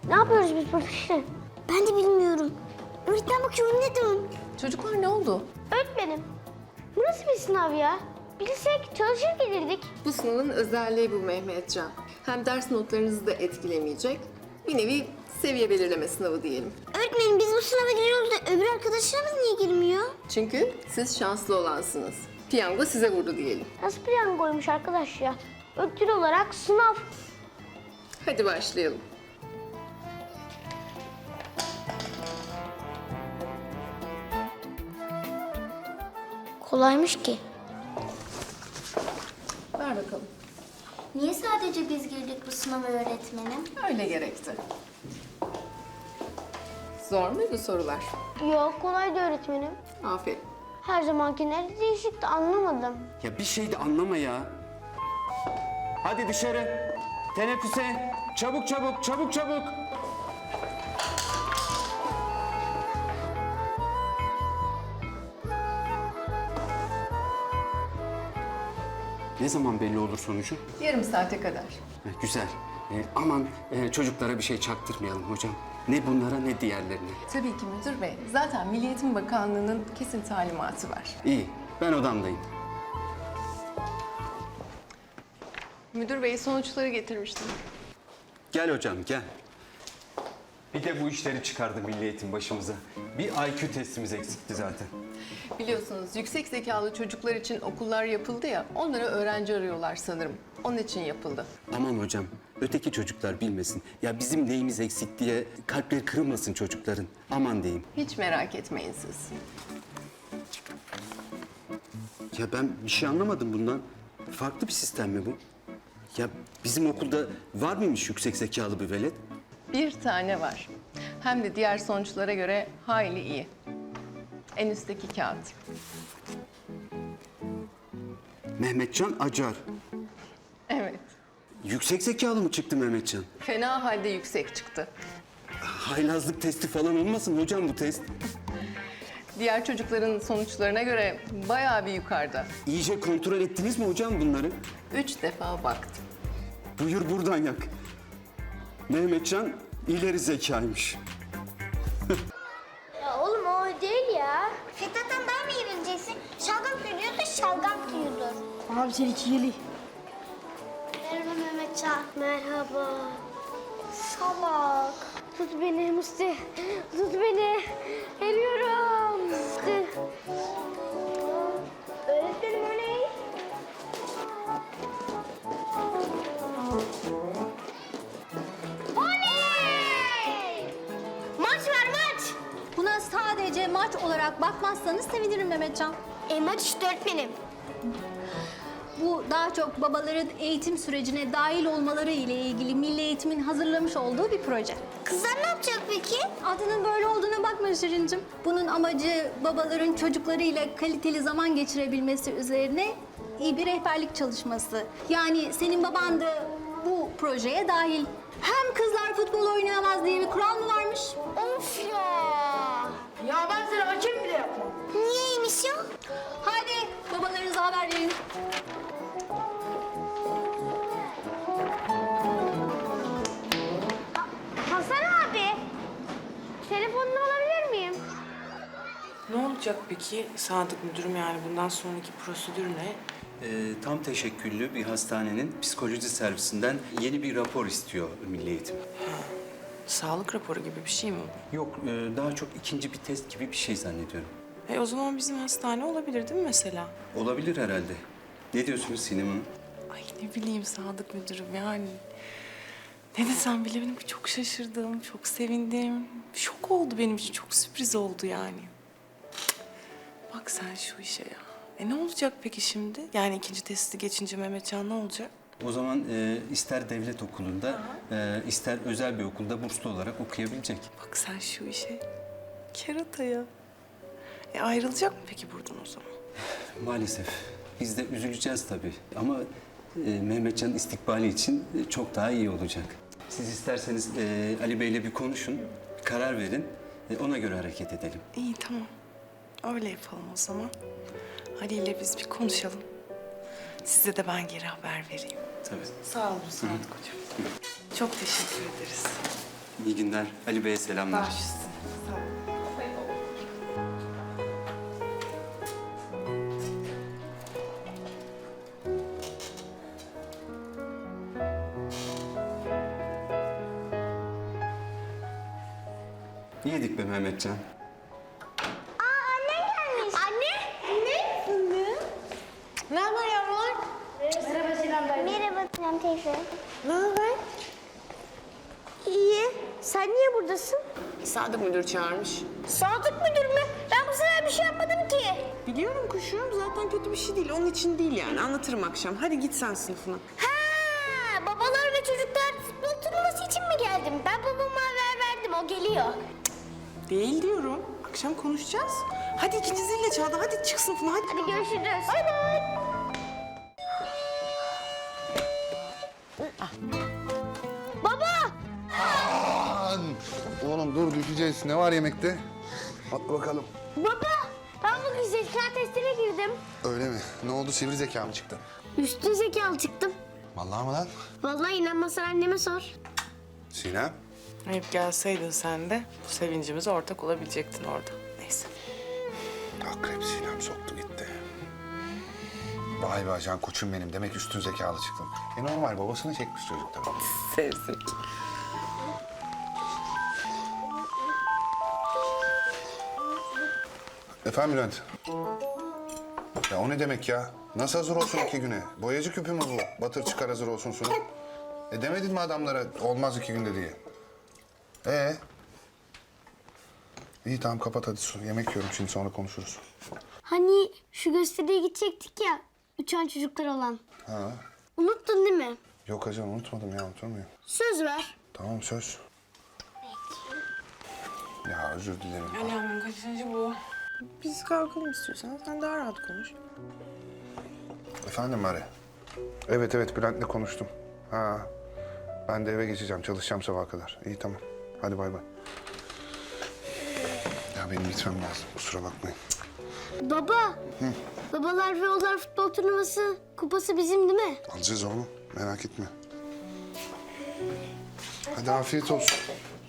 Ne yapıyoruz biz burada Şirin? Ben de bilmiyorum. Öğretmen bakıyor ne diyorsun? Çocuklar ne oldu? Öğretmenim, bu nasıl bir sınav ya? Bilsek çalışır gelirdik. Bu sınavın özelliği bu Mehmetcan. Hem ders notlarınızı da etkilemeyecek. Bir nevi seviye belirleme sınavı diyelim. Öğretmenim biz bu sınava giriyoruz da öbür arkadaşlarımız niye girmiyor? Çünkü siz şanslı olansınız. Piyango size vurdu diyelim. Nasıl piyangoymuş arkadaş ya? Ödül olarak sınav. Hadi başlayalım. Kolaymış ki. Ver bakalım. Niye sadece biz girdik bu sınava öğretmenim? Öyle gerekti. Zor muydu sorular? Yok, kolaydı öğretmenim. Aferin. Her zamankiler değişikti, anlamadım. Ya bir şey de anlama ya. Hadi dışarı. Teneffüse. Çabuk çabuk, çabuk çabuk. Ne zaman belli olur sonucu? Yarım saate kadar. Güzel. Aman çocuklara bir şey çaktırmayalım hocam. Ne bunlara ne diğerlerine. Tabii ki müdür bey. Zaten Milli Eğitim Bakanlığı'nın kesin talimatı var. İyi, ben odamdayım. Müdür bey sonuçları getirmiştim. Gel hocam, gel. Bir de bu işleri çıkardı Milli Eğitim başımıza. Bir IQ testimiz eksikti zaten. Biliyorsunuz yüksek zekalı çocuklar için okullar yapıldı ya, onlara öğrenci arıyorlar sanırım. Onun için yapıldı. Aman hocam, öteki çocuklar bilmesin. Ya bizim neyimiz eksik diye kalpleri kırılmasın çocukların. Aman diyeyim. Hiç merak etmeyin siz. Ya ben bir şey anlamadım bundan. Farklı bir sistem mi bu? Ya bizim okulda var mıymış yüksek zekalı bir velet? Bir tane var. Hem de diğer sonuçlara göre hayli iyi. En üstteki kağıt. Mehmetcan Acar. Evet. Yüksek zekalı mı çıktı Mehmetcan? Fena halde yüksek çıktı. Haylazlık testi falan olmasın hocam bu test? Diğer çocukların sonuçlarına göre bayağı bir yukarıda. İyice kontrol ettiniz mi hocam bunları? 3 defa baktım. Buyur buradan yak. Mehmetcan ileri zekaymış. Ya oğlum o değil ya. Fethat'tan daha mı iyi bileceksin? Şalgam kırıyordu, şalgam kırıyordu. Abi sen iki yeli. Merhaba Mehmetcan. Merhaba. Salak. Tut beni Musti. Tut beni. Geliyorum. Musti. Öğretmenim o ne? Oley! Maç var maç. Buna sadece maç olarak bakmazsanız sevinirim Mehmetcan. Maç işte öğretmenim. Bu daha çok babaların eğitim sürecine dahil olmaları ile ilgili Milli Eğitim'in hazırlamış olduğu bir proje. Kızlar ne yapacak peki? Adının böyle olduğuna bakma Şirincim. Bunun amacı babaların çocuklarıyla kaliteli zaman geçirebilmesi üzerine iyi bir rehberlik çalışması. Yani senin baban da bu projeye dahil. Hem kızlar futbol oynayamaz diye bir kural mı varmış? Of ya. Ya ben sana hakem bile yapmam. Niyeymiş ya? Hadi babalarınıza haber verin. Hasan abi. Telefonunu alabilir miyim? Ne olacak peki Sadık müdürüm, yani bundan sonraki prosedür ne? Tam teşekküllü bir hastanenin psikoloji servisinden yeni bir rapor istiyor Milli Eğitim. Sağlık raporu gibi bir şey mi bu? Yok, daha çok ikinci bir test gibi bir şey zannediyorum. O zaman bizim hastane olabilir değil mi mesela? Olabilir herhalde. Ne diyorsunuz Sinem Hanım? Ay ne bileyim Sadık müdürüm, yani. Ne desem bilemedim, çok şaşırdım, çok sevindim. Şok oldu benim için, çok sürpriz oldu yani. Bak sen şu işe ya. Ne olacak peki şimdi? Yani ikinci testi geçince Mehmetcan ne olacak? O zaman ister devlet okulunda, ister özel bir okulda burslu olarak okuyabilecek. Bak sen şu işe. Kerata ya. Ayrılacak mı peki buradan o zaman? Maalesef. Biz de üzüleceğiz tabii. Ama Mehmetcan'ın istikbali için çok daha iyi olacak. Siz isterseniz Ali Bey'le bir konuşun, karar verin. Ona göre hareket edelim. İyi tamam. Öyle yapalım o zaman. Ali ile biz bir konuşalım. Size de ben geri haber vereyim. Tabii. Sağ olun Sadık hocam. Çok teşekkür ederiz. İyi günler. Ali Bey'e selamlar. Başüstüne. Sağ ol. Yedik be Mehmetcan. Ne haber yavrular? Merhaba Sinem teyze. Ne haber? İyi. Sen niye buradasın? Sadık müdür çağırmış. Sadık müdür mü? Ben bu sefer bir şey yapmadım ki. Biliyorum kuşum, zaten kötü bir şey değil. Onun için değil yani. Anlatırım akşam. Hadi git sen sınıfına. Ha, babalar ve çocuklar futbol turnuvası için mi geldim? Ben babama haber verdim, o geliyor. Değil diyorum. Akşam konuşacağız. Hadi ikinci zille Çağla. Hadi çık sınıfına hadi. Hadi görüşürüz. Bay bay. Baba! Aman! Oğlum dur düşeceğiz. Ne var yemekte? At bakalım. Baba! Ben bugün zeka testine girdim. Öyle mi? Ne oldu? Sivri zeka mı çıktı? Üstün zekalı çıktım. Vallahi mı lan? Vallahi inanmazsan anneme sor. Sinem? Hep gelseydin sen de bu sevincimize ortak olabilecektin orada. Neyse. Akrep Sinem soktu gitti. Vay be ajan koçum benim. Demek üstün zekalı çıktım. Normal babasını çekmiş çocuk tabii. Sevsin. Efendim Bülent? Ya o ne demek ya? Nasıl hazır olsun 2 güne? Boyacı küpü mü bu? Batır çıkar hazır olsun sunum. Demedin mi adamlara olmaz 2 günde diye? İyi tamam kapat hadi su. Yemek yiyorum şimdi sonra konuşuruz. Hani şu gösteriye gidecektik ya, uçan çocuklar olan. Ha. Unuttun değil mi? Yok ajan unutmadım ya unutur muyum? Söz ver. Tamam söz. Ya özür dilerim. Alamın kaçıncı bu? Biz kalkalım istiyorsan. Sen daha rahat konuş. Efendim Mari? Evet Bülent'le konuştum. Ha. Ben de eve geçeceğim çalışacağım sabaha kadar. İyi tamam. Hadi bay bay. Ya benim gitmem lazım kusura bakmayın. Baba. Babalar ve oğullar futbol turnuvası kupası bizim değil mi? Alacağız oğlum merak etme. Hadi afiyet olsun.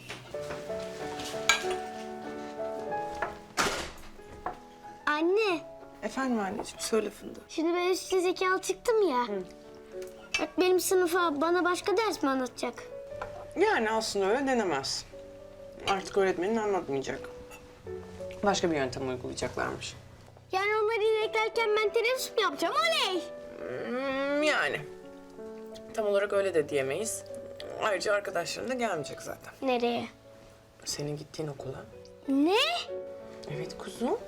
Anne, Efendim anneciğim söyle Fındık. şimdi ben üstün zekalı çıktım ya. Bak benim sınıfa bana başka ders mi anlatacak? Yani aslında öyle denemez. Artık öğretmenin anlatmayacak. Başka bir yöntem uygulayacaklarmış. Yani onları ineklerken ben teneffüs mü yapacağım? Oley! Yani. Tam olarak öyle de diyemeyiz. Ayrıca arkadaşların da gelmeyecek zaten. Nereye? Senin gittiğin okula. Ne? Evet kuzum.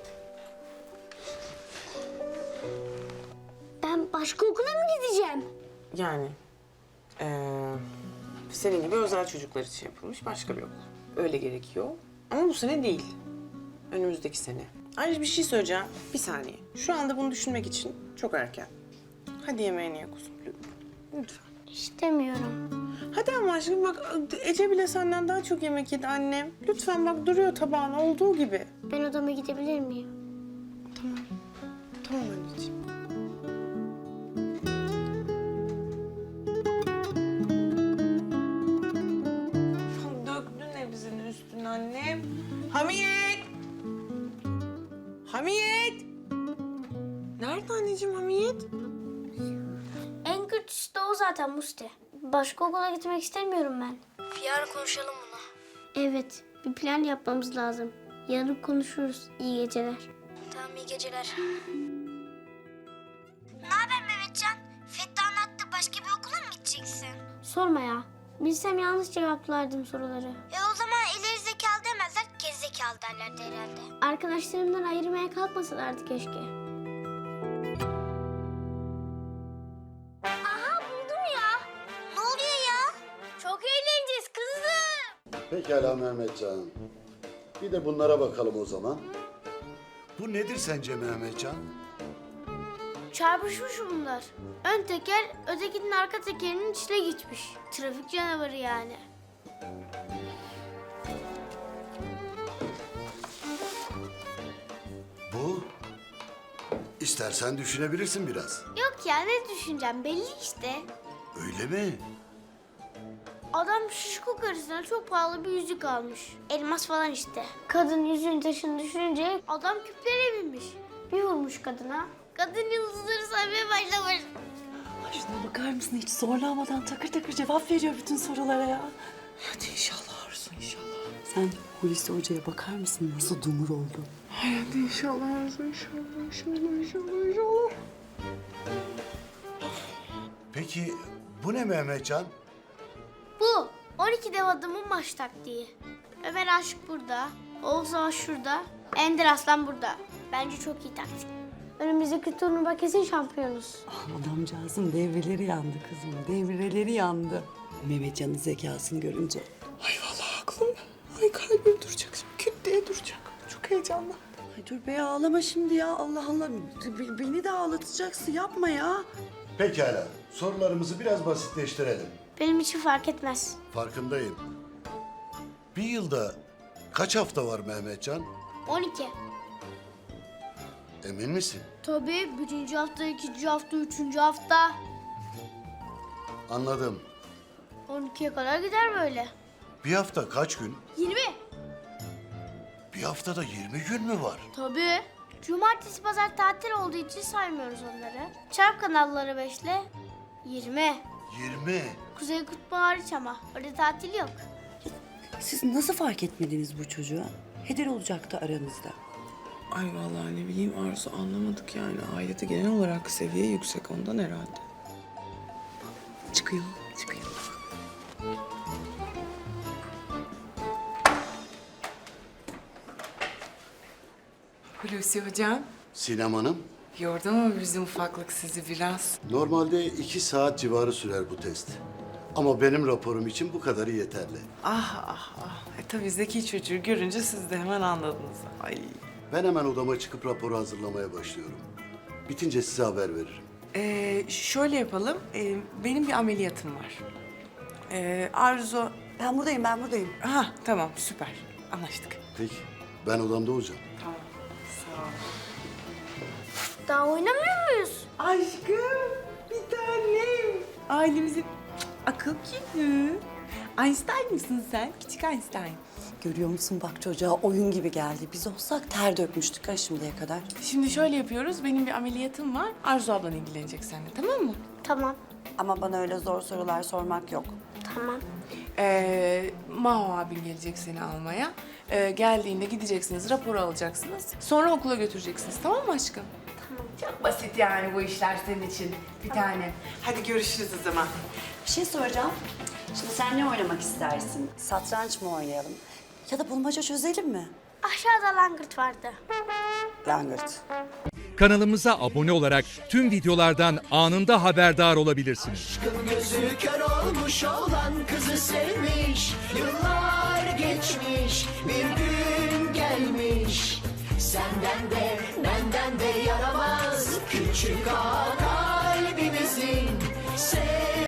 Ben başka okula mı gideceğim? Yani senin gibi özel çocuklar için yapılmış başka bir okul. Öyle gerekiyor. Ama bu sene değil. Önümüzdeki sene. Ayrıca bir şey söyleyeceğim. Bir saniye. Şu anda bunu düşünmek için çok erken. Hadi yemeğini ye kuzum. Lütfen. İstemiyorum. Hadi ama aşkım bak Ece bile senden daha çok yemek yedi annem. Lütfen bak duruyor tabağın olduğu gibi. Ben odama gidebilir miyim? Tamam anneciğim. Döktün hepsini üstüne annem. Hamiyet! Hamiyet! Nerede anneciğim Hamiyet? En kötüsü de o zaten Musti. Başka okula gitmek istemiyorum ben. Yarın konuşalım bunu. Evet, bir plan yapmamız lazım. Yarın konuşuruz. İyi geceler. Tamam, iyi geceler. Ne haber Mehmetcan? Fethi anlattı başka bir okula mı gideceksin? Sorma ya. Bilsem yanlış cevaplardım soruları. O zaman ileri zekalı demezler, geri zekalı derlerdi herhalde. Arkadaşlarımdan ayırmaya kalkmasalardı keşke. Aha buldum ya. Ne oluyor ya? Çok eğleneceğiz kızım. Pekala Mehmetcan. Bir de bunlara bakalım o zaman. Bu nedir sence Mehmetcan? Çarpışmış bunlar. Ön teker ötekinin arka tekerinin içine gitmiş. Trafik canavarı yani. Bu? İstersen düşünebilirsin biraz. Yok ya, ne düşüneceğim belli işte. Öyle mi? Adam şişko karısına çok pahalı bir yüzük almış. Elmas falan işte. Kadın yüzüğün taşını düşürünce adam küplere binmiş. Bir vurmuş kadına. Kadın yıldızları saymaya başlamış. Ay şuna bakar mısın? Hiç zorlamadan takır takır cevap veriyor bütün sorulara ya. Hadi inşallah Arzu, inşallah. Sen Hulusi Hoca'ya bakar mısın? Nasıl dumur oldu? Ay hadi inşallah Arzu, inşallah, inşallah. Peki bu ne Mehmetcan? Bu 12 dev adamın maç taktiği. Ömer Aşık burada, Oğuz Savaş şurada, Ender Aslan burada. Bence çok iyi taktik. Önümüzdeki turnuva kesin şampiyonuz. Adamcağızın devreleri yandı kızım. Devreleri yandı. Mehmetcan'ın zekasını görünce. Ay vallahi aklım, ay kalbim duracak şimdi. Küt diye duracak. Çok heyecanlı. Ay dur be ağlama şimdi ya. Allah Allah. Beni de ağlatacaksın. Yapma ya. Pekala. Sorularımızı biraz basitleştirelim. Benim için fark etmez. Farkındayım. Bir yılda kaç hafta var Mehmetcan? 12. Emin misin? Tabii 1. hafta, 2. hafta, 3. hafta. Anladım. 12'ye kadar gider böyle. Bir hafta kaç gün? 20. Bir haftada 20 gün mü var? Tabii. Cumartesi, pazar tatil olduğu için saymıyoruz onları. Çarp kanalları 5'le 20. 20. Kuzey Kutbu hariç ama. Orada tatil yok. Siz nasıl fark etmediniz bu çocuğa? Heder olacaktı aranızda. Ay vallahi ne bileyim Arzu, anlamadık yani. Ailede genel olarak seviye yüksek ondan herhalde. Çıkıyor. Hulusi Hocam, Sinem Hanım, yordu mu bizim ufaklık sizi biraz? normalde 2 saat civarı sürer bu test. Ama benim raporum için bu kadarı yeterli. Ah. Tabii zeki çocuğu görünce siz de hemen anladınız. Ay. Ben hemen odama çıkıp raporu hazırlamaya başlıyorum. Bitince size haber veririm. Şöyle yapalım, benim bir ameliyatım var. Arzu... Ben buradayım. Ha tamam, süper. Anlaştık. Peki, ben odamda olacağım. Tamam, sağ ol. Daha oynamıyor muyuz? Aşkım, bir tanem. Ailemizin akıl küpü. Einstein mısın sen? Küçük Einstein. Görüyor musun bak çocuğa oyun gibi geldi. Biz olsak ter dökmüştük ha şimdiye kadar. Şimdi şöyle yapıyoruz, benim bir ameliyatım var. Arzu ablan ilgilenecek seninle, tamam mı? Tamam. Ama bana öyle zor sorular sormak yok. Tamam. Maho abin gelecek seni almaya. Geldiğinde gideceksiniz, raporu alacaksınız. Sonra okula götüreceksiniz, tamam mı aşkım? Tamam. Çok basit yani bu işler senin için bir tanem. Hadi görüşürüz o zaman. Bir şey soracağım. Şimdi sen ne oynamak istersin? Satranç mı oynayalım? Ya da bulmaca çözelim mi? Aşağıda langırt vardı. Langırt. Kanalımıza abone olarak tüm videolardan anında haberdar olabilirsiniz. Gözü kör olmuş olan kızı sevmiş. Yıllar geçmiş, bir gün gelmiş. Senden de benden de yaramaz küçük ağa kalbimizin.